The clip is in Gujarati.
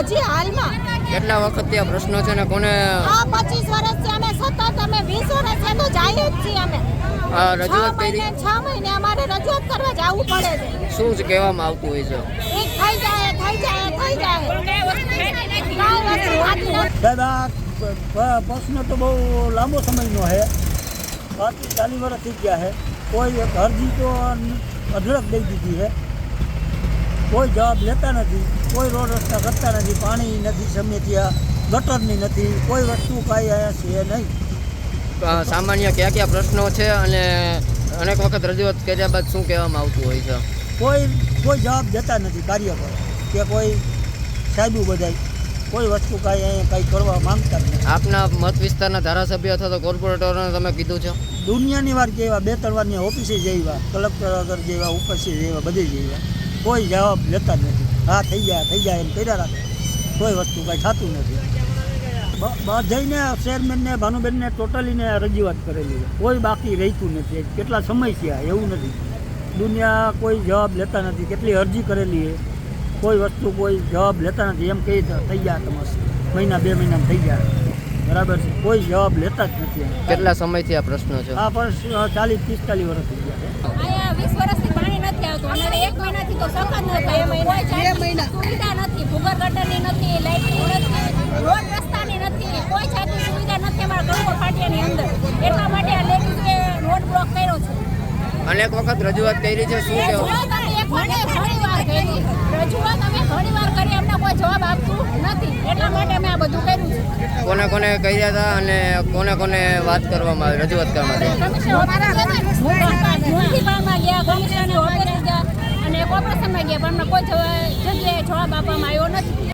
હજી હાલમાં કેટલા વખતથી આ પ્રશ્નો છે ને કોને આ 25 વર્ષથી અમે સતત અમે 20 વર્ષથી તો જઈએ જ છીએ અમે રજૂઆત કરી? 6 મહિને અમારે રજૂઆત કરવા જવું પડે છે. શું જ કહેવામાં આવતું હોય છે? એક થઈ જાય દાદા પ્રશ્ન તો બહુ લાંબો સમયનો છે, 40 વર્ષ થઈ ગયા છે. કોઈ એક અરજી તો અઢળક દઈ દીધી છે, કોઈ જવાબ લેતા નથી, કોઈ રોડ રસ્તા કરતા નથી, પાણી નથી, સમય ત્યાં ગટરની નથી, કોઈ વસ્તુ કાંઈ અહીંયા છે નહીં. સામાન્ય કયા કયા પ્રશ્નો છે અને અનેક વખત રજૂઆત કર્યા બાદ શું કહેવામાં આવતું હોય છે? કોઈ જવાબ દેતા નથી કાર્યકરો કે કોઈ સાહેબુ બધાય કોઈ વસ્તુ કાંઈ અહીંયા કાંઈ કરવા માંગતા જ નથી. આપના મત વિસ્તારના ધારાસભ્ય અથવા તો કોર્પોરેટરોને તમે કીધું છે? દુનિયાની વાર જેવા 2-3 વારની ઓફિસે જેવા, કલેક્ટર આગળ જેવા, ઉપરથી જેવા, બધે જેવા, કોઈ જવાબ લેતા જ નથી. હા થઈ જાય એમ કર્યા રાખે, કોઈ વસ્તુ કાંઈ થતું નથી. બધાને ચેરમેનને ભાનુબેનને ટોટલીને રજૂઆત કરેલી છે, કોઈ બાકી રહેતું નથી. કેટલા સમય થયા એવું નથી, દુનિયા કોઈ જવાબ લેતા નથી. કેટલી અરજી કરેલી છે, કોઈ વસ્તુ કોઈ જવાબ લેતા નથી. એમ કહી થઈ ગયા તમારે મહિના 2 મહિનામાં થઈ ગયા, બરાબર છે, કોઈ જવાબ લેતા જ નથી. કેટલા સમયથી આ પ્રશ્નો છે? આ પણ 40-45 વર્ષ થઈ ગયા છે. અહીંયા 20 વર્ષથી પાણી નથી આવતું અને 1 મહિનાથી તો સખત નથી. 2 મહિના સુવિધા નથી, ભૂગર ગટરની નથી, લાઇટની નથી, રોડ રસ્તાની નથી, કોઈ જાતની સુવિધા નથી અમારા ગણપત ફાટિયાની અંદર. એટલા માટે આ લેડીઝે રોડ બ્લોક કર્યો છે. અનેક વખત રજૂઆત કરી છે, શું કહેવું? રજૂઆત અમે ઘણી વાર કરી, અમને કોઈ જવાબ આપતું નથી. એટલા માટે અમે આ બધું કર્યું છે. કોને કોને કર્યા હતા અને કોને વાત કરવામાં આવી, રજૂઆત કરવામાં આવી? મ્યુનિસિપાલમાં ગયા, કમિશનરની ઓફિસે ગયા અને કોર્પોરેશનમાં ગયા, પણ અમને કોઈ જગ્યાએ જવાબ આપવામાં આવ્યો નથી.